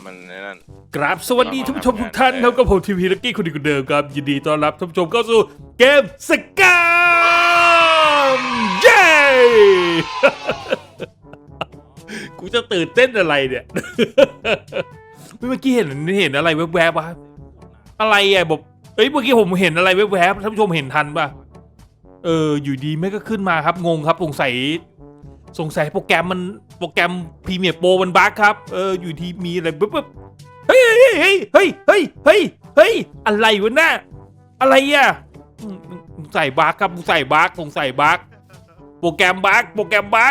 มันนั่นกราบสวัสดีท่านผู้ชมทุกท่านครับกับผมทีวีลักกี้คนดีคนเดิมครับยินดีต้อนรับท่านผู้ชมเข้าสู่เกมสกามเย้ กูจะตื่นเต้นอะไรเนี่ย เมื่อกี้เห็นอะไรแวบๆวะอะไรอ่ะบอกเมื่อกี้ผมเห็นอะไรแวบๆท่านผู้ชมเห็นทันป่ะอยู่ดีไม่ก็ขึ้นมาครับงงครับสงสัยโปรแกรมพรีเมียร์โปรมันบั๊กครับอยู่ที่มีอะไรปุ๊บเฮ้ยอะไรวะน่ะอะไรอ่ะใส่บั๊กครับใส่บั๊กโปรแกรมบั๊ก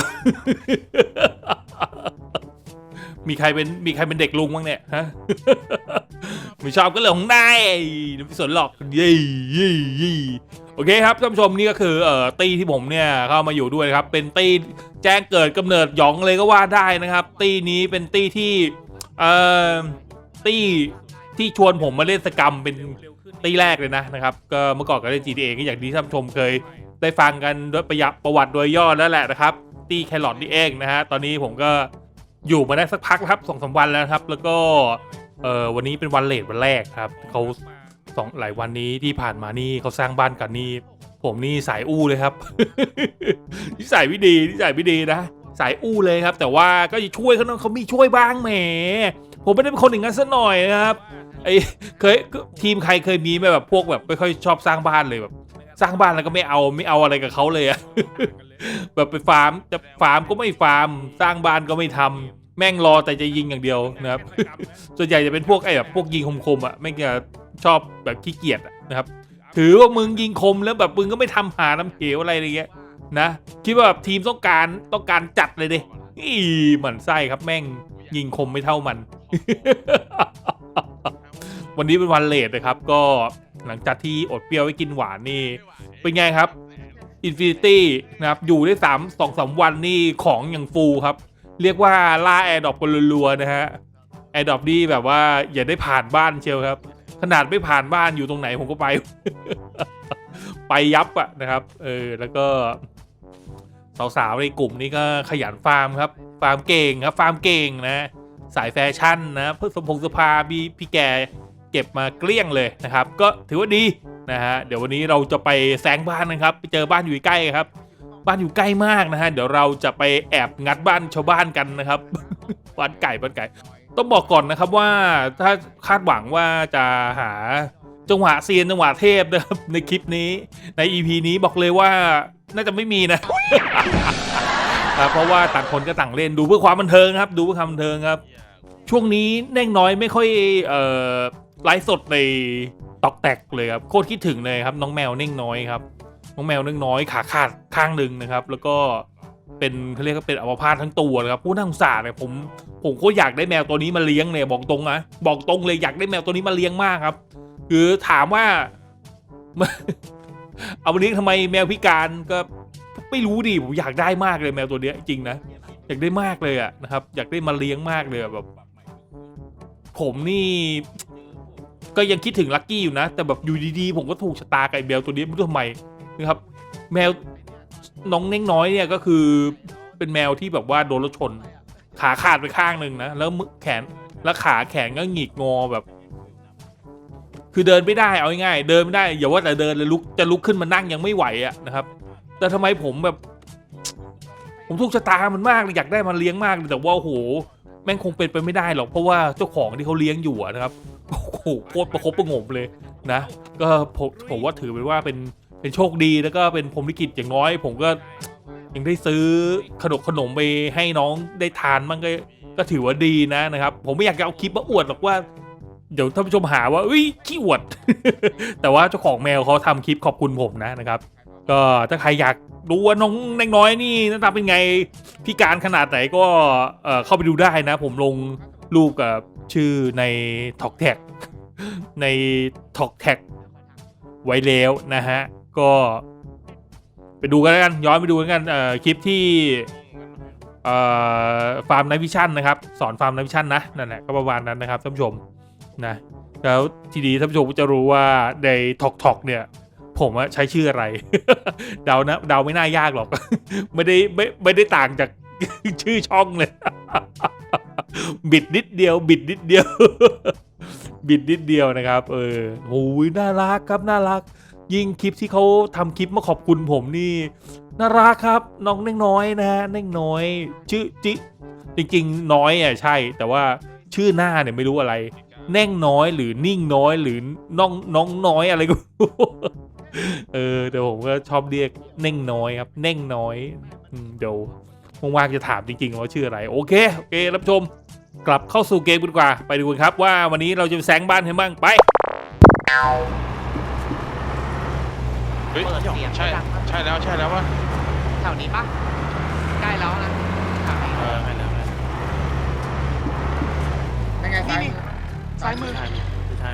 มีใครเป็นเด็กลุงบ้างเนี่ยฮะ ไม่ชอบก็เรื่องของนายไม่สนหรอกยี่โอเคครับท่านผู้ชมนี่ก็คือตีที่ผมเนี่ยเข้ามาอยู่ด้วยครับเป็นตีแจ้งเกิดกำเนิดหยองเลยก็ว่าได้นะครับตีนี้เป็นตีที่ตีที่ชวนผมมาเล่นสกรรมเป็นตีแรกเลยนะครับก็เมื่อก่อนก็เล่น GTA ก็อย่างที่ท่านผู้ชมเคยได้ฟังกันด้วยประวัติโดยย่อแล้วแหละนะครับตีแครอทนี่เองนะฮะตอนนี้ผมก็อยู่มาได้สักพักครับ2-3 วันแล้วครับแล้วก็วันนี้เป็นวันเลทวันแรกครับเขาหลายวันนี้ที่ผ่านมานี่เขาสร้างบ้านกันนี่ผมนี่สายอู้เลยครับ นิสัยไม่ดีนะสายอู้เลยครับแต่ว่าก็จะช่วยเขามีช่วยบ้างแหมผมไม่ได้เป็นคนอย่างนั้นซะหน่อยนะครับทีมใครเคยมีไหมแบบพวกแบบไม่ค่อยชอบสร้างบ้านเลยแบบสร้างบ้านแล้วก็ไม่เอาอะไรกับเขาเลยอะ แบบไปฟาร์มก็ไม่ฟาร์มสร้างบ้านก็ไม่ทำแม่งรอแต่จะยิงอย่างเดียวนะครับ ส่วนใหญ่จะเป็นพวกแบบพวกยิงคมๆอ่ะไม่ก็ชอบแบบขี้เกียจนะครับถือว่ามึงยิงคมแล้วแบบมึงก็ไม่ทำหาน้ำเหวอะไรอย่างเงี้ยนะคิดว่าแบบทีมต้องการจัดเลยดิหมั่นไส้ครับแม่งยิงคมไม่เท่ามัน วันนี้เป็นวันเลทนะครับก็หลังจากที่อดเปรี้ยวไว้กินหวานนี่เป็นไงครับInfinity นะครับอยู่ได้2-3 วันนี่ของอย่างฟูครับเรียกว่าล่าแอร์ดรอปกันรัวๆนะฮะแอร์ดรอปนี่แบบว่าอย่าได้ผ่านบ้านเชียวครับขนาดไม่ผ่านบ้านอยู่ตรงไหนผมก็ไป ไปยับอะนะครับแล้วก็สาวๆในกลุ่มนี้ก็ขยันฟาร์มครับฟาร์มเก่งครับฟาร์มเก่งนะสายแฟชั่นนะเพื่อสมพงษ์สภาพี่แกเก็บมาเกลี้ยงเลยนะครับก็ถือว่าดีนะฮะเดี๋ยววันนี้เราจะไปแซงบ้านนะครับไปเจอบ้านอยู่ใกล้ครับบ้านอยู่ใกล้มากนะฮะเดี๋ยวเราจะไปแอบงัดบ้านชาวบ้านกันนะครับ บ้านไก่ต้องบอกก่อนนะครับว่าถ้าคาดหวังว่าจะหาจังหวะเซียนจังหวะเทพนะครับในคลิปนี้ใน EP นี้บอกเลยว่าน่าจะไม่มีนะ เพราะว่าต่างคนก็ต่างเล่นดูเพื่อความบันเทิงครับดูเพื่อความบันเทิงครับช่วงนี้แน่งน้อยไม่ค่อยไลฟ์สดในตอกแตกเลยครับโคตรคิดถึงเลยครับน้องแมวเน่งน้อยครับน้องแมวเน่งน้อยขาขาดข้างหนึ่งนะครับแล้วก็เป็นเขาเรียกว่าเป็นอัมพาตทั้งตัวนะครับผู้น่าสงสารเนี่ยผมก็อยากได้แมวตัวนี้มาเลี้ยงเนี่ยบอกตรงเลยอยากได้แมวตัวนี้มาเลี้ยงมากครับคือถามว่า เอามาเลี้ยงทำไมแมวพิการก็ไม่รู้ดิผมอยากได้มากเลยแมวตัวนี้จริงนะอยากได้มากเลยอะนะครับอยากได้มาเลี้ยงมากเลยแบบผมนี่ก็ยังคิดถึงลักกี้อยู่นะแต่แบบอยู่ดีๆผมก็ถูกชะตากับแมวตัวนี้ไม่รู้ทำไมนะครับแมวน้องเน่งน้อยเนี่ยก็คือเป็นแมวที่แบบว่าโดนรถชนขาขาดไปข้างหนึ่งนะแล้วแขนแล้วขาแขนก็หงิกงอแบบคือเดินไม่ได้เอาง่ายๆเดินไม่ได้อย่าว่าแต่เดินเลยจะลุกขึ้นมานั่งยังไม่ไหวอะนะครับแต่ทำไมผมถูกชะตามันมากเลยอยากได้มันเลี้ยงมากเลยแต่ว่าโอ้โหแม่งคงเป็นไปไม่ได้หรอกเพราะว่าเจ้าของที่เขาเลี้ยงอยู่นะครับโอ้โหโคตรประคบประงมเลยนะก็ผมว่าถือเป็นว่าเป็นโชคดีแล้วก็เป็นพรหมลิขิตอย่างน้อยผมก็ยังได้ซื้อขนมไปให้น้องได้ทานมันก็ถือว่าดีนะครับผมไม่อยากจะเอาคลิปมาอวดหรอกว่าเดี๋ยวท่านผู้ชมหาว่าขี้อวด แต่ว่าเจ้าของแมวเขาทำคลิปขอบคุณผมนะครับก็ถ้าใครอยากดูว่าน้องเล็กน้อยนี่หน้าตาเป็นไงพิการขนาดไหนก็เข้าไปดูได้นะผมลงรูปกับชื่อในท็อกแท็กในท็อกแท็กไว้แล้วนะฮะก็ไปดูกันแล้วกันย้อนไปดูกันคลิปที่ฟาร์มไนท์วิชั่นนะครับสอนฟาร์มไนท์วิชั่นนะนั่นแหละก็ประมาณนั้นนะครับท่านผู้ชมนะแล้วทีนี้ท่านผู้ชมจะรู้ว่าในท็อกเนี่ยผมใช้ชื่ออะไร เดาไม่น่ายากหรอก ไม่ได้ต่างจาก ชื่อช่องเลยบิดนิดเดียว บิดนิดเดียว บิดนิดเดียวนะครับโอ้ยน่ารักครับน่ารัก ยิ่งคลิปที่เขาทำคลิปมาขอบคุณผมนี่น่ารักครับน้องเน่งน้อยนะฮะเน่งน้อยชื่อจริงๆน้อยอ่ะใช่ แต่ว่าชื่อหน้าเนี่ยไม่รู้อะไรเน่งน้อยหรือนิ่งน้อยหรือน้องน้อยอะไรก็ไม่รู้ แต่ผมก็ชอบเรียกเน่งน้อยครับเน่งน้อยเดี๋ยวว่างๆจะถามจริงๆว่าชื่ออะไรโอเครับชมกลับเข้าสู่เกมกันดีกว่าไปดูกันครับว่าวันนี้เราจะแซงบ้านกันบ้างไปเฮ้ยเปิดเสียงใช่ดังครับใช่แล้ววะแถวนี้ปะใกล้แล้วนะแถวนี้ใช่แล้วยังไงซ้ายนี่ซ้ายมือไม่ใช่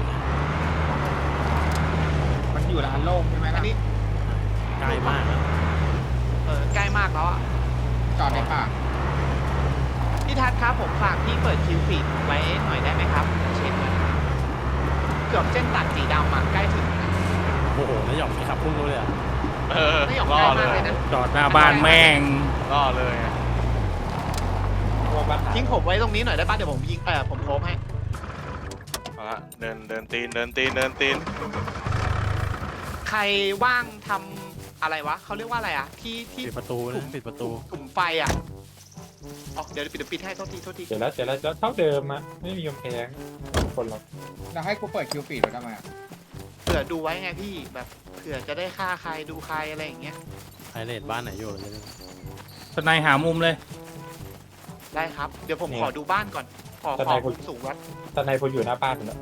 มันอยู่ร้านโล่งใช่ไหมอัล่ะนนี้ใกล้มากนะใกล้มากแล้วอ่ะจอดในป่าพี่ทัศน์ครับผมฝากพี่เปิดคิวฟีดไว้หน่อยได้ไหมครับเช็คหน่อยเกือบเส้นตัดสีดำมาใกล้ถึงแล้วนะโอ้โหแล้วหย่อมขับพุ่งเลยอ่ะไม่หยอกล่ใกอล้เลมากยเลยนะจอดหน้าบ้านแม่งล่อเลยอะตัวบ้านทิ้งผมไว้ตรงนี้หน่อยได้ป่ะเดี๋ยวผมยิงผมโคบให้เอาละเดินตีนใครว่างทำอะไรวะเขาเรียกว่าอะไรอ่ะที่ปิดประตูนะปิดประตูกลุ่มไฟอ่ะอ๋อเดี๋ยวปิดให้โทษทีเสร็จแล้วเท่าเดิมอะไม่มีกำแพงคนเราแล้วให้กูเปิดคิวฟีดไว้ทำไมอะเผื่อดูไว้ไงพี่แบบเผื่อจะได้ฆ่าใครดูใครอะไรอย่างเงี้ยไฮเลดบ้านไหนอยู่เลยทนายหามุมเลยได้ครับเดี๋ยวผมขอดูบ้านก่อนขอมุมสูงวัดตอนในพออยู่หน้าบ้านแล้ว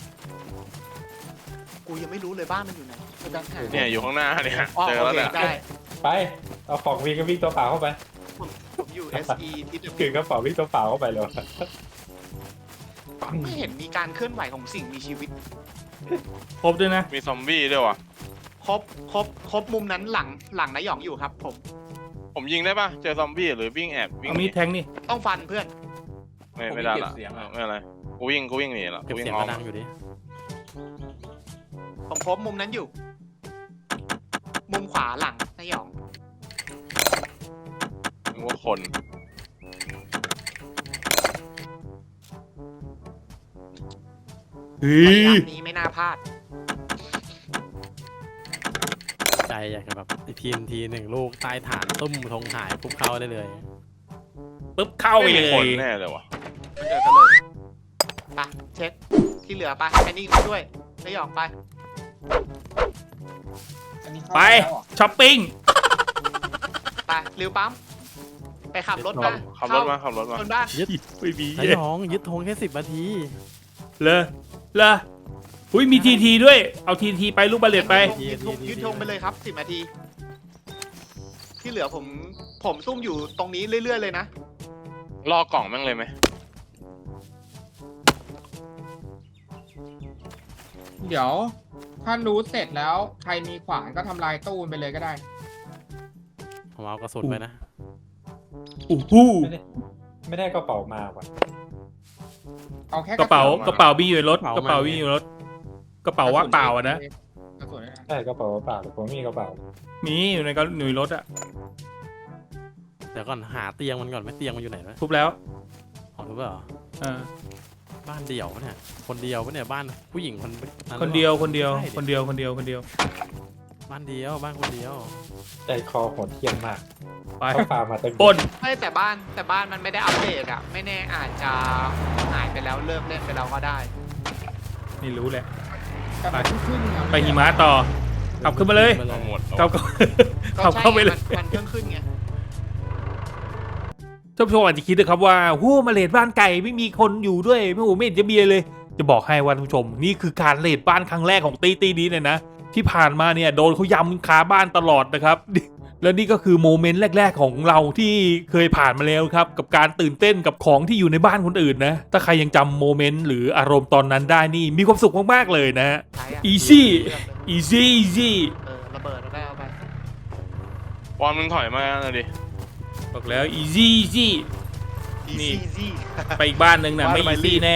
กูยังไม่รู้เลยบ้านมันอยู่ไหนกูดันหาเนี่ยอยู่ข้างหน้าเนี่ยอ๋อเจอโอแล้วเคเนี่ยได้ไปเอาของวิ่งก็วิ่งตัวเปล่าเข้าไปผมอยู่ SE ที่ถือกระเป๋าวิ่งตัวเปล่าเข้าไปเลยไม่เห็นมีการเคลื่อนไหวของสิ่งมีชีวิตครบด้วยนะมีซอมบี้ด้วยวะครบมุมนั้นหลังนายหยองอยู่ครับผมยิงได้ปะเจอซอมบี้หรือวิ่งแอบวิ่งเอาหมีนีดแทงนี่ต้องฟันเพื่อนไม่ได้ละไม่อะไรกูวิ่งหนีละกูวิ่งอ้อมอยู่ดิผมครบมุมนั้นอยู่ มุมขวาหลังนายหยองนึกว่าคนเฮ้ระยยะนี้ไม่น่าพลาดใจอยากจะแบบทีมทีหนึ่งลูกใต้ฐานตุ้มธงหายปุ๊บเข้าได้เลยปุ๊บเข้าไปไม่เลมีคนยแน่เลยวะมันเกิดกันเลยไปเช็คที่เหลือไปไอ้นี่ด้วยนายหยองไปอันนี้เข้าไปแล้วเหรอช้อปปิ้งไปริวปั๊มไปขับรถมาขับรถมาคนบ้านไม่มีนายหยองยึดธงแค่10 นาทีเลยอุ้ยมีทีด้วยเอาทีไปลูกบาเลตไปยืนธงไปเลยครับ10 นาที ที่เหลือผมซุ่มอยู่ตรงนี้เรื่อยๆเลยนะล่อกล่องแม่งเลยไหมเดี๋ยว ถ้ารู้เสร็จแล้วใครมีขวานก็ทำลายตู้มันไปเลยก็ได้ผมเอากระสุนไปนะอู้หู้ไม่ได้กระเป๋ามาว่ะเอาแค่กระเป๋าสุนกระเป๋ามีอยู่ในรถกระเป๋ามีอยู่ในรถกระเป๋าว่างเปล่าอะนะกระสุนนะใช่กระเป๋าเปล่าแต่ผมมีกระเป๋ามีอยู่ในก็หน่วยรถอะเดี๋ยวก่อนหาเตียงมันก่อนไหมเตียงมันอยู่ไหนวะทุบแล้วของรู้เปล่าอ่าบ้านเดี่ยวปะเนี่ยคนเดียวปะเนี่ยบ้านผู้หญิงคนนั้นคนเดียวคนเดียวใช่คนเดียวคนเดียวคนเดียวบ้านเดียวบ้านคนเดียวใจคอโหดเที่ยมมากไปเขาพามาเต็มปล้นไม่แต่บ้านมันไม่ได้อัปเดตอะไม่แน่อาจจะหายไปแล้วเลิกเล่นไปแล้วก็ได้ไม่รู้แหละแต่มันขึ้นๆอะไปหิมะต่อขับขึ้นมาเลยไปเลยหมดขับก็ขับใช่เข้าไปเลยมันเครื่องขึ้นไงท่านผู้ชมอาจจะคิดนะครับว่าโหมาเลดบ้านไก่ไม่มีคนอยู่ด้วยไม่โหไม่เห็นจะมีเลย จะบอกให้ว่าท่านผู้ชมนี่คือการเลดบ้านครั้งแรกของตีนี้เลยนะที่ผ่านมาเนี่ยโดนเขายำคาบ้านตลอดนะครับ แล้วนี่ก็คือโมเมนต์แรกๆของเราที่เคยผ่านมาแล้วครับกับการตื่นเต้นกับของที่อยู่ในบ้านคนอื่นนะถ้าใครยังจำโมเมนต์หรืออารมณ์ตอนนั้นได้นี่มีความสุขมากๆเลยนะใช้อะ easy เลือกเลย easy ระเบิดเราได้เอาไปบอลมึงถอยมาหน่อยดิบอกแล้ว easy นี่ easy ไปอีกบ้านหนึ่งนะไม่ easy แน่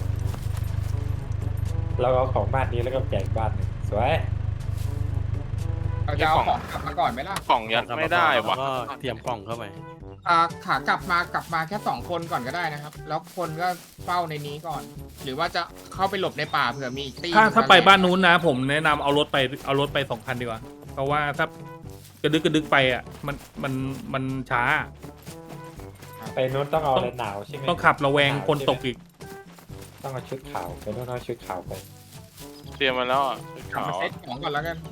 แล้วเอาของบ้านนี้แล้วก็แจกบ้านหนึ่งสวยเราจะเอาของกลับมาก่อนไหมล่ะกล่องยัดไม่ได้แล้ววะก็เตรียมกล่องเข้าไปขากลับมาแค่2 คนก่อนก็ได้นะครับ แล้วคนก็เฝ้าในนี้ก่อน หรือว่าจะเข้าไปหลบในป่าเผื่อมีอีกตีถ้าไปบ้านนู้นนะ ผมแนะนำเอารถไป2 คันดีกว่า เพราะว่าถ้ากระดึกไปอ่ะมันช้าไปนู้นต้องเอาอะไรหนาวใช่ไหมต้องขับระแวงคนตกอีกต้องเอาชุดขาวไปนู้นเอาชุดขาวไปเตรียมมาแล้วอ่ะชุดกลับขาวมาเซ็ตของก่อนแล้วกัน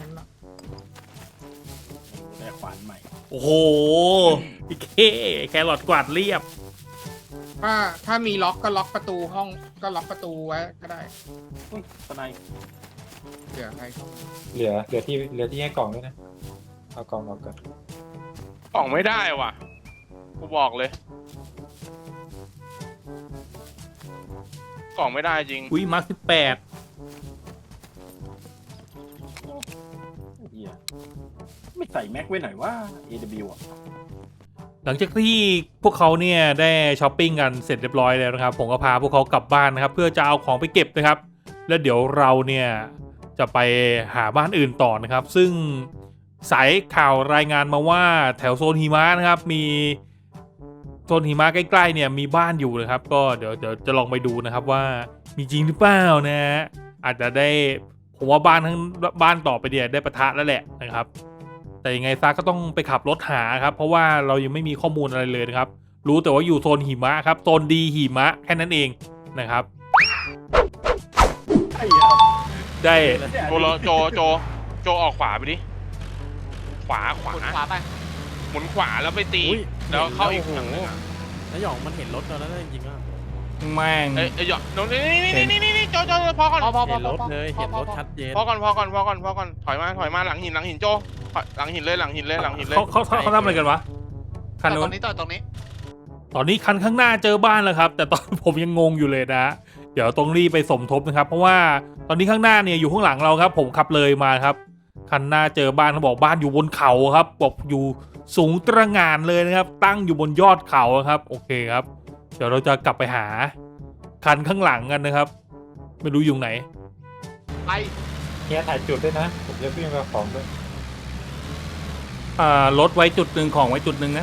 ได้ขวานใหม่โอ้โหพี่แครอทกวาดเรียบถ้ามีล็อกก็ล็อกประตูห้องก็ล็อกประตูไว้ก็ได้อุ้ยตะไนเผื่อใครเข้ามาเหลือที่ให้กล่องด้วยนะเอากล่องออกก่อนกล่องไม่ได้ว่ะกูบอกเลยกล่องไม่ได้จริงอุ้ยมาร์ค 18 เฮียไม่ใส่แม็กไว้หน่อยว่า AW อ่ะหลังจากที่พวกเขาเนี่ยได้ช้อปปิ้งกันเสร็จเรียบร้อยแล้วนะครับ ผมก็พาพวกเขากลับบ้านนะครับ เพื่อจะเอาของไปเก็บนะครับ แล้วเดี๋ยวเราเนี่ยจะไปหาบ้านอื่นต่อนะครับ ซึ่งสายข่าวรายงานมาว่าแถวโซนหิมะนะครับมีโซนหิมะใกล้ๆเนี่ยมีบ้านอยู่นะครับ ก็เดี๋ยวจะลองไปดูนะครับว่ามีจริงหรือเปล่านะฮะอาจจะได้ผมว่าบ้านต่อไปเนี่ยได้ปะทะแล้วแหละนะครับ แต่ยังไงซะก็ต้องไปขับรถหาครับเพราะว่าเรายังไม่มีข้อมูลอะไรเลยนะครับ รู้แต่ว่าอยู่โซนหิมะครับโซนดีหิมะแค่นั้นเองนะครับไอ้เหี้ยได้โจออกขวาไปดิขวาขวาไปหมุนขวาแล้วไปตีอุ๊ยแล้วเข้าอีกโอ้โหฝั่งหนึงอ่ะแล้วหยองมันเห็นรถเราแล้วนะจริงๆอ่ะแม่งเอ้ยหยอกนี่โจพอก่อนพอเห็นรถเลยเห็นรถชัดเจนพอก่อนถอยมาหลังหินโจหลังหินเลยเขาทำอะไรกันวะคันตนู้รนงนี้ตรงนี้ตอนนี้คันข้างหน้าเจอบ้านแล้วครับ แต่ตอน ผมยังงงอยู่เลยนะ เดี๋ยวต้องรีบไปสมทบนะครับ เพราะว่าตอนนี้ข้างหน้าเนี่ยอยู่ข้างหลังเราครับ ผมขับเลยมาครับ คันหน้าเจอบ้านเขาบอกบ้านอยู่บนเขาครับบอกอยู่สูงตระหง่านเลยนะครับ ตั้งอยู่บนยอดเขาครับโอเคครับ เดี๋ยวเราจะกลับไปหาคันข้างหลังกันนะครับ ไม่รู้อยู่ไหนไปเฮียถ่ายจุดด้วยนะผมจะวิ่งมาของด้วยรถไว้จุดหนึ่งของไว้จุดหนึ่งนะ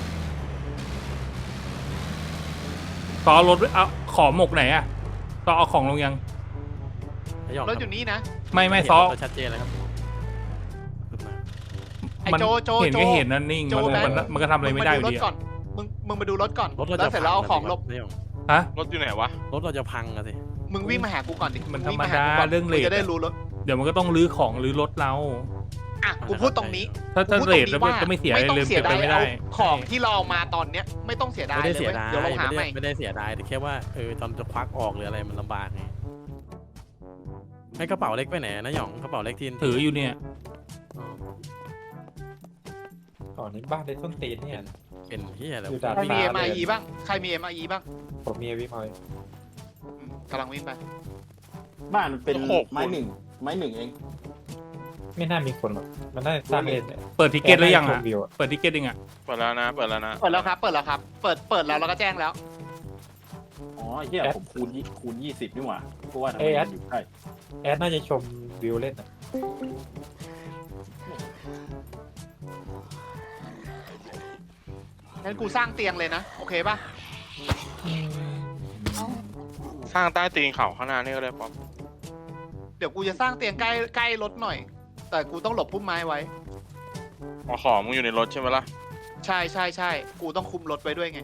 ต่อรถไว้เอาของหมกไหนอะต่อเอาของลงยังแล้วหยองรถอยู่นี่นะไม่ซอเราชัดเจนแล้วครับขึ้นมาไอ้มันโจเห็นก็เห็นนั่นนิ่งโจมันก็ทำอะไรไม่ได้อยู่ดีมึงมาดูรถก่อนรถเราแล้จะวเสร็จแล้วเอาของลบแล้วหยองฮะรถอยู่ไหนวะรถเราจะพังอะสิมึงวิ่งมาหากูก่อนดิมันวิ่งธรรมดาหกูก่นเรื่องเลทมึจะได้รู้รถเดี๋ยวมันก็ต้องรื้อของรื้อรถเราอ่ะกูพูดตรงนี้ถ้ากูพูดเรตทงแล้วนี้จะไม่เสียอะไรต้อเลยงเสียเป็นดายไปไม่ได้เอาของที่เราเอามาตอนเนี้ยไม่ต้องเสียดายไม่เลได้ยเสียเว้ยดายเดี๋ยวเราหาใหม่ไม่ได้เสียดายแต่แค่ว่าตอนจะควักออกหรืออะไรมันลำบากไงให้กระเป๋าเล็กไปไหนนะหยองกระเป๋าเล็กที่ถืออยู่เนี่ยอ๋อก่อนนี้บ้านในต้นตีนเนี่ยเป็นเฮียอะไรอยู่ดาดใครมีฟ้า MIE บ้างใครมี MIE บ้างผมมีวิมอยกำลังวิ่งไปบ้านมันเป็นโอ้โหไม้หนึ่งเองไม่น่ามีคนหรอกมันน่าจะสร้างเล่นเนี่ยเปิดทิเก็ตแล้วยังชอ่ะมวิวอะเปิดทิเก็ตยังอ่ะเปิดแล้วนะเปิดแล้วครับเปิดแล้วเราก็แจ้งแล้วอ๋อเฮียผมคูณ 20นี่หว่าเพราะว่าทำไมมันอยู่ใกล้แอดน่าจะชมวิวเล่นอะงั้นกูสร้างเตียงเลยนะโอเคป่ะสร้างใต้ตีนเขาข้างหน้านี่ก็ได้ป๊อปเดี๋ยวกูจะสร้างเตียงใกล้รถหน่อย แต่กูต้องหลบพุ่มไม้ไว้เอาของมึงอยู่ในรถใช่ไหมล่ะใช่กูต้องคุมรถไว้ด้วยไง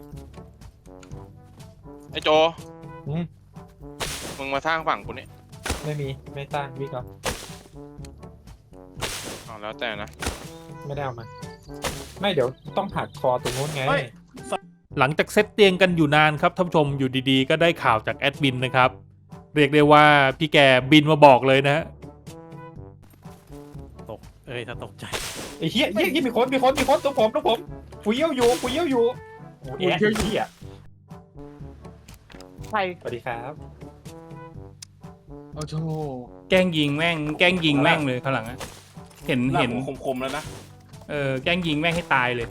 ไอ้โจอืมมึงมาสร้างฝั่งกูนี่ไม่สร้างวิ่งเอาเอาแล้วแต่นะไม่ได้เอามาไม่เดี๋ยวต้องหักคอตรงนู้นไงเฮ้ยหลังจากเซตเตียงกันอยู่นานครับท่านผู้ชมอยู่ดีๆ ก็ได้ข่าวจากแอดมินนะครับ เรียกได้ว่าพี่แกบินมาบอกเลยนะฮะตกถ้าตกใจไอ้เหี้ยมีคนตัวผมกูเยี่ยวอยู่โอ้แอดเหี้ยใครสวัสดีครับโอ้โหแกล้งยิงแม่งเลยข้างหลังอะเห็นหน้าผมคมๆแล้วนะแกล้งยิงแม่งให้ตายเลย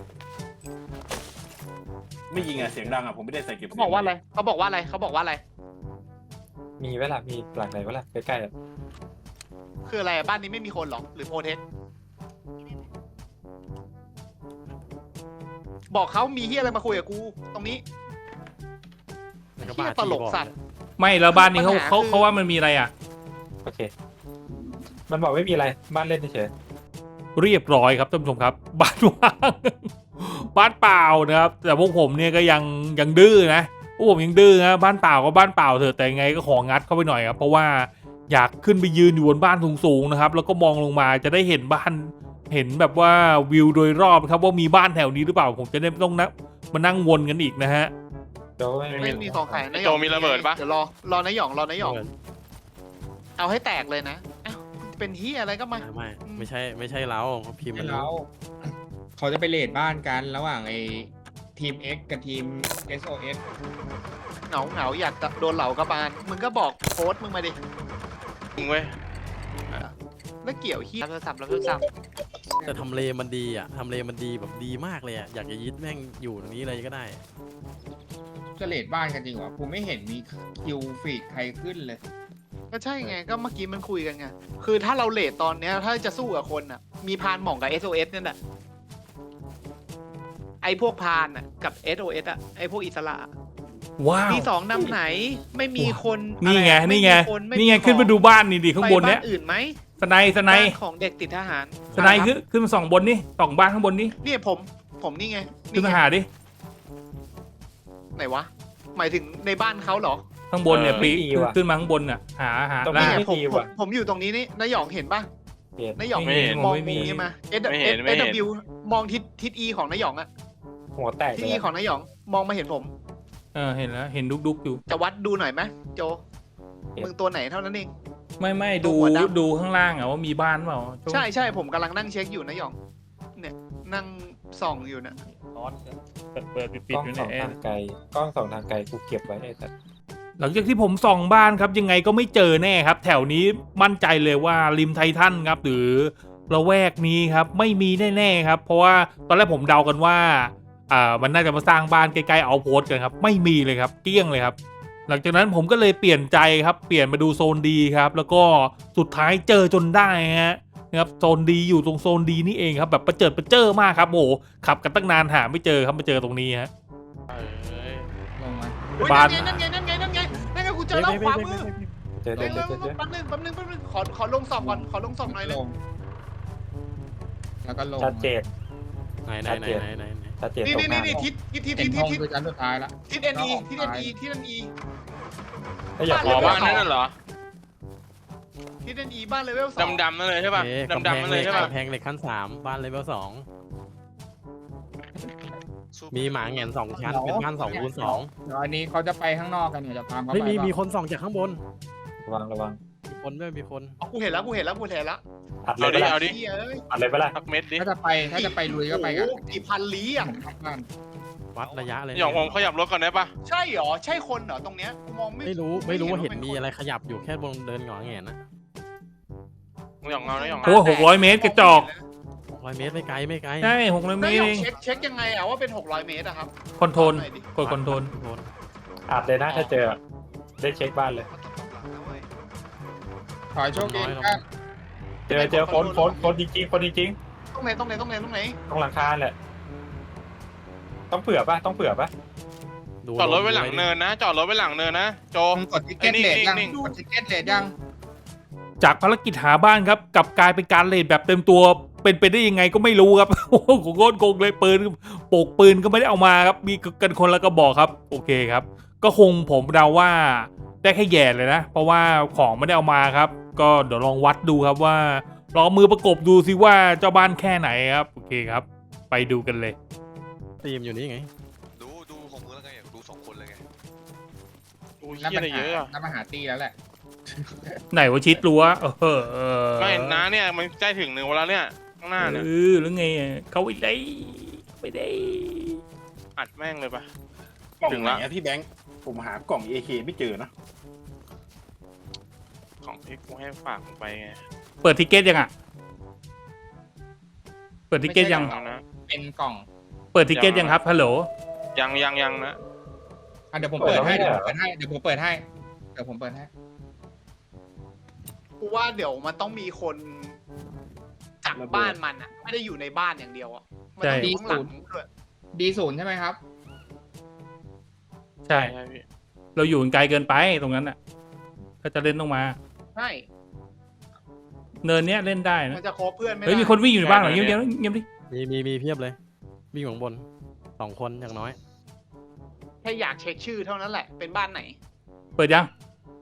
ไม่ยิงอ่ะเสียงดังอ่ะผมไม่ได้ใส่เก็บเขาบอกว่าอะไรมีเวลามีหลังไหนเวลาใกล้ๆอะคืออะไรบ้านนี้ไม่มีคนหรอหรือโพเทคบอกเขามีเฮียอะไรมาคุยกับกูตรงนี้มันก็เฮีบ้ายตลกที่บอกสัตว์ไม่แล้วบ้านนี้เขาปัญหาเขาคือเขาว่ามันมีอะไรอ่ะโอเค มันบอกไม่มีอะไรบ้านเล่นเฉยเรียบร้อยครับท่านผู้ชมครับ บ้านว่าง บ้านเปล่านะครับ แต่พวกผมเนี่ยก็ยังดื้อนะพวกผมยังดื้อนะบ้านเปล่าก็บ้านเปล่าเถอะแต่ยังไงก็ของงัดเข้าไปหน่อยครับเพราะว่าอยากขึ้นไปยืนอยู่บนบ้านสูงๆนะครับแล้วก็มองลงมาจะได้เห็นบ้านเห็นแบบว่าวิวโดยรอบครับว่ามีบ้านแถวนี้หรือเปล่าผมจะได้ไม่ต้องมานั่งวนกันอีกนะฮะๆโจ้ไม่ไม่มีของขายนายหโจยองมีระเบิดปะเดี๋ยวรอนายหยองเอาให้แตกเลยนะเอ้าเป็นเฮียอะไรก็มาไม่ใช่เราเขาพิมพ์มันแล้วเขาจะไปเลดบ้านกันระหว่างไอ้ทีม X กับทีม SOS เหงาอยากโดนเหล่ากระบาลมึงก็บอกโค้ดมึงมาดิจริงเว้ยแล้วเกี่ยวเฮียรับโทรศัพท์แต่ทำเลมันดีอ่ะทำเลมันดีแบบดีมากเลยอ่ะอยากจะยึดแม่งอยู่ตรงนี้เลยก็ได้จะเลดบ้านกันจริงเหรอกูไม่เห็นมีคิวฟีดใครขึ้นเลยก็ใช่ไงก็เมื่อกี้มันคุยกันไงคือถ้าเราเลทตอนเนี้ยถ้าจะสู้กับคนอ่ะมีพานหม่องกับ SOS นั่นแหละไอพวกพานอ่ะกับ SOS อ่ะไอพวกอิสระว้าวมีสองนำไหนไม่มีคนนี่ไงอะรนี่ไงม่มีคนี่ไงขึ้นมาดูบ้านนี่ดิข้างบนเนี้ยไปอื่นไหมสไนด์บ้านของเด็กติดทหารสไนด์ขึ้นมาสองบนนี่สองบ้านข้างบนนี่เนี่ยผมนี่ไงขึ้นมาไงหาดิไหนวะหมายถึงในบ้านเขาเหรอข้างบนเนี่ยปีขึ้นมาข้างบนน่ะหาตรงล่านี้เนี่ยไม่ดีว่ะผมอยู่ตรงนี้นี่นายหยองเห็นปะเห็นนายหยองไม่เห็นมองไม่มีมุมนี้มาไม่เห็นไม่เห็น SW มองทิศ E ของนายหยองอะหัวแตกทิศเล E ยของนายหยองมองมาเห็นผมเห็นแล้วเห็นดุกอยู่จะวัดดูหน่อยไหมโจมึงตัวไหนเท่านั้นเองไม่ตัดูวหัวดำดูข้างล่างอะว่ามีบ้านเปล่าใช่ผมกำลังนั่งเช็คอยู่นายหยองเนี่ยนั่งส่องอยู่นะเปิดปิดกล้องอยู่สองเนี่ยทางไกลกล้องสองทางไกลกูเก็บไว้ไอ้สัสหลังจากที่ผมส่องบ้านครับยังไงก็ไม่เจอแน่ครับ แถวนี้มั่นใจเลยว่าริมไททันครับหรือละแวกนี้ครับไม่มีแน่ๆครับเพราะว่าตอนแรกผมเดากันว่ามันน่าจะมาสร้างบ้านใกล้ๆเอาโพสกันครับไม่มีเลยครับเกลี้ยงเลยครับหลังจากนั้นผมก็เลยเปลี่ยนใจครับเปลี่ยนมาดูโซนดีครับแล้วก็สุดท้ายเจอจนได้ฮะนะครับโซนดีอยู่ตรงโซนดีนี่เองครับแบบประเจิดมากครับโอ้โหขับกันตั้งนานหาไม่เจอครับมาเจอตรงนี้ฮะลงมาอุ๊ยบ้านนั่นไงกูเจอแล้วขวามือเจอเร็วเจอแป๊บนึงขอลงส่องก่อนขอลงส่องหน่อยเลยลงแล้วก็ลงชัดเจนไหนชัดเจนนี่ตรงหน้าทิศเห็นห้องคือชั้นสุดท้ายละทิศ NE ทิศ NE ทิศ NE ถ้าอยากอ๋อรู้บ้าว่านนั่นเหรอทิศ NE บ้านเลเวล2 ดำๆนั่นเลยใช่ป่ะกำแพดำงๆนั่นเหเลล็ยกใช่ป่ะกำแพงเหล็กขั้น3บ้านเลเวล2มีหมาแหงน2ชั้นเป็นบ้าน2คูณ2 เดี๋ยวอันนี้เขาจะไปข้างนอกกันเนี่ยจะตามเขาไปไม่มีเปล่ามีคนส่องจากข้างบนระวังมีคนด้วยมีคนกูเห็นแล้วอัดเลเอายดิปะล่ะเอาดิเฮ้ยอัดเลยปะล่ะสักเม็ดดิถ้าจะไปลุยก็ไปกันโอ้โหกี่พันลี้อ่ะบ้านวัดระยะเลยหยองผมขยับรถก่อนได้ป่ะใช่เหรอใช่คนเหรอตรงเนี้ยกูมองไม่ไม่รู้ว่าเห็นมีอะไรขยับอยู่แค่บนเดินหงอแงนนะหยองเงานะหยองโอ้600 เมตรกระจอก 600 เมตรไม่ไกลไม่ไกลใช่600 เมไม่ตรยอเอมงเช็คยังไงอะว่าเป็น600 เมตรอะครับคอนโทรลหน่อยดิกดคอนโทรลอัดเลยนะถ้าเจอได้เช็คบ้านเลยขอให้โชคดีครับเจอคนจริงคนจริงตรงไหนตรงหลังคาแหละต้องเผื่อปะจอดรถไว้หลังเนินนะจอดรถไว้หลังเนินนะโจมึงกดทิกเก็ตเลทยังนิ่งกดทิกเก็ตเลทยังจากภารกิจหาบ้านครับกลับกลายเป็นการเลดแบบเต็มตัวเป็นไปได้ยังไงก็ไม่รู้ครับ โอ้โหโคตรโกงเลยปืนโปกปืนก็ไม่ได้เอามาครับมีกันคนละกระบอกครับโอเคครับ ก็คงผมเดาว่าได้แค่แย่เลยนะ เพราะว่าของไม่ได้เอามาครับ ก็เดี๋ยวลองวัดดูครับว่าลองมือประกบดูซิว่าเจ้าบ้านแค่ไหนครับโอเคครับ ไปดูกันเลยทีมอยู่นี่ไงดูของมึงแล้วไงดู2 คนเลยไงโอ้ยนับเหี้ยอะไรเยอะอะมาหาตีแล้วแหละไหนว่าชิดรั้วไม่น้าเนี่ยมันใกล้ถึง1วันแล้วเนี่ยข้างหน้าเนี่ยหรือไงเขาไม่ได้อัดแม่งเลยป่ะกล่องถึงไหนละอะพี่แบงค์ผมหากล่อง AK ไม่เจอนะของที่กูให้ฝากมึงไปไงเปิดทิกเก็ตยังอ่ะเปิดทิกเก็ตยังเอานะเป็นกล่องเปิดทิกเก็ตยังครับฮัลโหลยังนะเดี๋ยวผมเปิดให้กูว่าเดี๋ยวมันต้องมีคนจากบ้านมันอะไม่ได้อยู่ในบ้านอย่างเดียวอะมันต้องอยู่ข้างหลังด้วย D0 ใช่ไหมครับใช่ใช่พี่เราอยู่ไกลเกินไปตรงนั้นอ่ะ ถ้าจะเล่นต้องมาใช่เนินเนี้ยเล่นได้นะมันจะโคบเพื่อนไม่ได้เฮ้ยมีคนวิ่งอยู่ในบ้านเหรอเงียบๆเงียบดิมีเพียบเลยวิ่งอยู่ข้างบน2 คนอย่างน้อยแค่อยากเช็คชื่อเท่านั้นแหละเป็นบ้านไหนเปิดยัง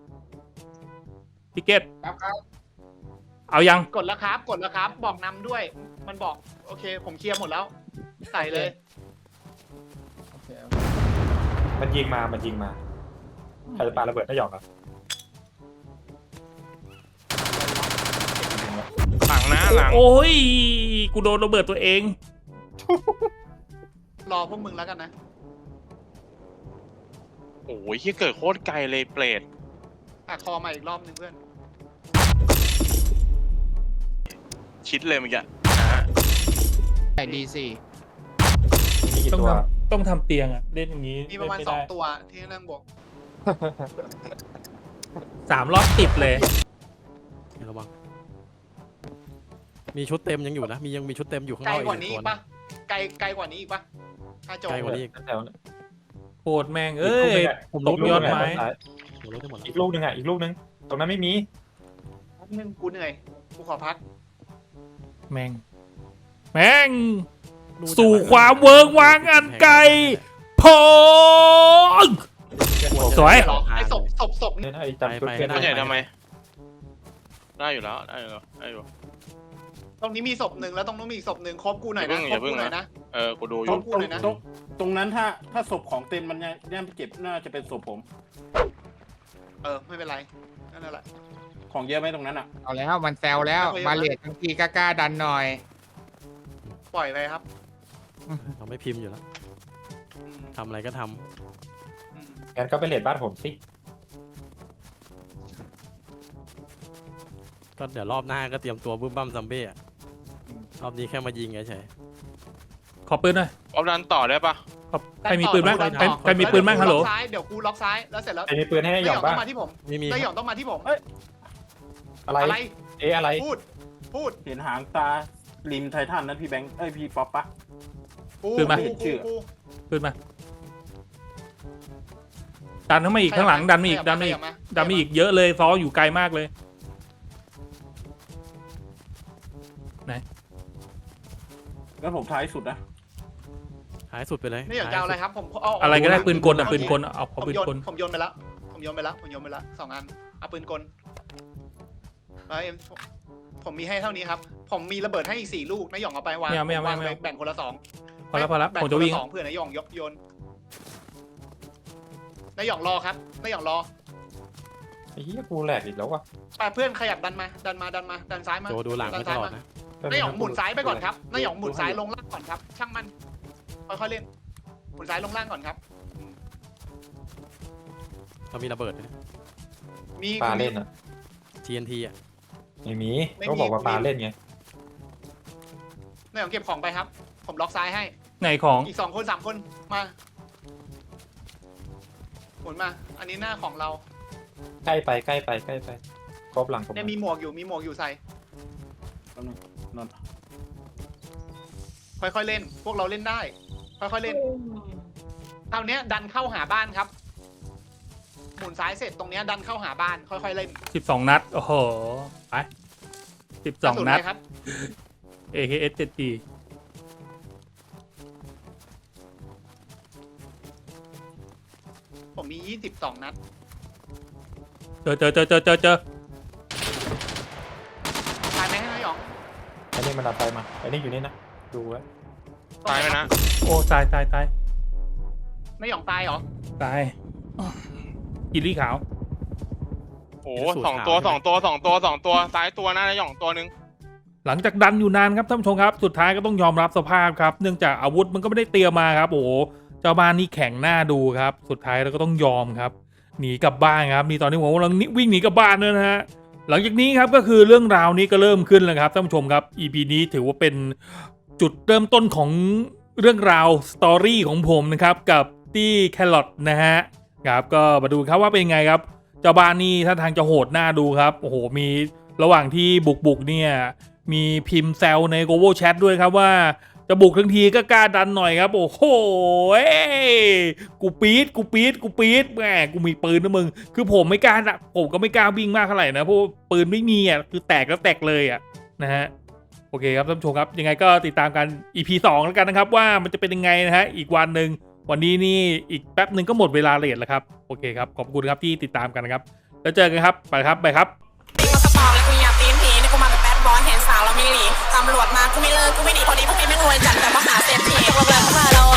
ทิเก็ตครับเอายังกดแล้วครับกดแล้วครับ บอกนำด้วย มันบอกโอเค ผมเคลียร์หมดแล้วใส่เลยโอเคมันยิงมาใครจะปาระเบิดได้หยอกอ่ะหลังนะหลังโอ้ยกูโดนระเบิดตัวเองรอพวกมึงแล้วกันนะโอ้ยที่เกิดโคตรไกลเลยเปรตอ่ะคอมาอีกรอบหนึ่งเพื่อนชิดเลยเมื่อกี้นะฮะใส่ D4 มีกี่ต้องตัวต้องทำเตียงอ่ะเล่นอย่างนี้มีประมาณเล่นไได้ 2 ตัวที่นั่งบวก 3 รอบติดเลยระวังมีชุดเต็มยังอยู่นะยังมีชุดเต็มอยู่ข้างไกนลอกกว่านี้อีอีกกตัวปะไกลกว่านี้อีกปะถ้าโจไกลกว่านี้อีกแถวนั้นโคตรแม่งเอ้ยผมตรู้กยอดไม้ผมรู้ได้หมดแล้วอีกลูกหนึ่งอีกลูกหนึ่งตรงนั้นไม่มีแป๊บนึงกูเหนื่อยกูขอพักแม่งสู่ความเวิร์กวางอันไกลพงสวยหรอไอ้ศพเนี่ยนะไอ้จำชุดเพื่อนมันใหญ่ทำไม ได้อยู่แล้วได้อยู่ได้อยู่ตรงนี้มีศพหนึ่งแล้วตรงนู้นมีอีกศพหนึ่งครบกูหน่อยนะอย่าเพิ่งครบกูหน่อยนะกูดูอครยู่บกูหน่อยนะตรงนั้นถ้าศพของเต็มมันยังเก็บน่าจะเป็นศพผมไม่เป็นไรนั่นแหละของเยอะไหมตรงนั้นอ่ะเอาแล้วมันแซวแล้วไม่มาเลททั้งทีกล้าดันหน่อยปล่อยไปครับเราไม่พิมพ์อยู่แล้วอืมทำอะไรก็ทำอืมงั้นก็ไปเลดบ้านผมสิก็เดี๋ยวรอบหน้าก็เตรียมตัวบึ้มบั้มซัมเบ้อะรอบนี้แค่มายิงเฉยขอปืนหน่อยเอาดันต่อได้ปะใครมีปืนบ้างดัต่อใครมีปืนบ้างฮัลโหลเดี๋ยวกูล็อกซ้ายแล้วเสร็จแล้วไอ้มีปืนให้ได้หยอกต้บ้าอง งมาที่ผมมีนายหยองต้องมาที่ผมอะไรอะไรอะไรพูดเห็นหางตาริมไททันนั้นพี่แบงค์พี่ป๊อปปะกูปืนมากูปืนมาดันเข้ามาอีกข้างหลังดันมาอีกดันมาอีกดันมาอีกเยอะเลยซ้ออยู่ไกลมากเลยแล้วผมท้ายสุดนะๆหายสุดไปเลยนายหยองจะเอาอะไรครับผมเอาอะไรก็ได้ปืนกลอ่ะปืนกลเอาผมปืนโยนกลผมโยนไปแล้วผมโยนไปแล้ว2 อันเอาปืนกลแล้วผมมีให้เท่านี้ครับ ผมมีระเบิดให้อีก4 ลูกนายหยองเอาไปวางวางแบ่งคนละ2 พอแล้วผมจะวิ่ง 2เพื่อนนายหยองโยนนายหยองรอครับนายหยองรอไอ้เหี้ยกูแหลกอีกแล้วว่ะไปเพื่อนขยับดันซ้ายมาโจดูหลังให้ตลอดนะนายหยองหมุนซ้ายไปก่อนครับนายหยองหมุนซ้ายลงล่างก่อนครับ ช่างมันค่อยๆเล่นหมุนซ้ายลงล่างก่อนครับเรามีระเบิดด้วยนะมีปาเล่นอ่ะ TNT อ่ะไม่มีก็บอกว่าปาเล่นไงนายหยองเก็บของไปครับ ผมล็อกซ้ายให้ไหนของอีก2 คน 3 คนมาหมุนมา อันนี้หน้าของเราใกล้ไปครบหลังผมเนี่ยมีหมวกอยู่ใส่นนท์ค่อยๆเล่น พวกเราเล่นได้ ค่อยๆเล่นคราวเนี้ยดันเข้าหาบ้านครับ หมุนซ้ายเสร็จตรงเนี้ยดันเข้าหาบ้าน ค่อยๆเล่น 12 นัดโอ้โหไป12 นัดกระสุอะไรครับ AKS 7G ผมมี22 นัดเจอตายไหมให้นายหยองไอ้นี่มันดับไฟมาไอ้นี่อยู่นี่นะดูไว้ตายไหมนะโอ้ตายนายหยองตายเหรอตายกินลี่ขาวโอ้สองตัวซ้ายตัวหน้าหย่องตัวนึงหลังจากดันอยู่นานครับท่านผู้ชมครับ สุดท้ายก็ต้องยอมรับสภาพครับ เนื่องจากอาวุธมันก็ไม่ได้เตรียมมาครับ โอ้โหเจ้าบ้านนี่แข็งหน้าดูครับ สุดท้ายเราก็ต้องยอมครับ หนีกลับบ้านครับนี่ตอนนี้ผมกำลังวิ่งหนีกลับบ้านด้วยนะฮะหลังจากนี้ครับก็คือเรื่องราวนี้ก็เริ่มขึ้นแล้วครับท่านผู้ชมครับ EP นี้ถือว่าเป็นจุดเริ่มต้นของเรื่องราวสตอรี่ของผมนะครับกับตี้แครอทนะฮะครับก็มาดูครับว่าเป็นไงครับเจ้าบ้านนี่ท่าทางจะโหดหน้าดูครับโอ้โหมีระหว่างที่บุกเนี่ยมีพิมพ์แซวใน Global Chat ด้วยครับว่าเจ้าจะบุกทั้งทีก็กล้าดันหน่อยครับโอ้โหกูปี๊ดแหมกูมีปืนนะมึงคือผมไม่กล้าผมก็ไม่กล้าวิ่งมากเท่าไหร่นะเพราะปืนไม่มีอ่ะคือแตกแล้วแตกเลยอ่ะนะฮะโอเคครับท่านผู้ชมครับยังไงก็ติดตามกัน EP 2แล้วกันนะครับว่ามันจะเป็นยังไงนะฮะอีกวันหนึ่งวันนี้นี่อีกแป๊บหนึ่งก็หมดเวลาเรทแล้วครับโอเคครับขอบคุณครับที่ติดตามกันนะครับแล้วเจอกันครับไปครับตีมากระเป๋าเลยกูอยากตีนผีนี่กูมาแบบแบดบอยเห็นสาวเราไม่หลีตำรวจมากูไม่เลิกกูไม่หนีพอดีพวกนี้ไม่รวยจัดแต่ว่าหาเศรษฐีพวกเรา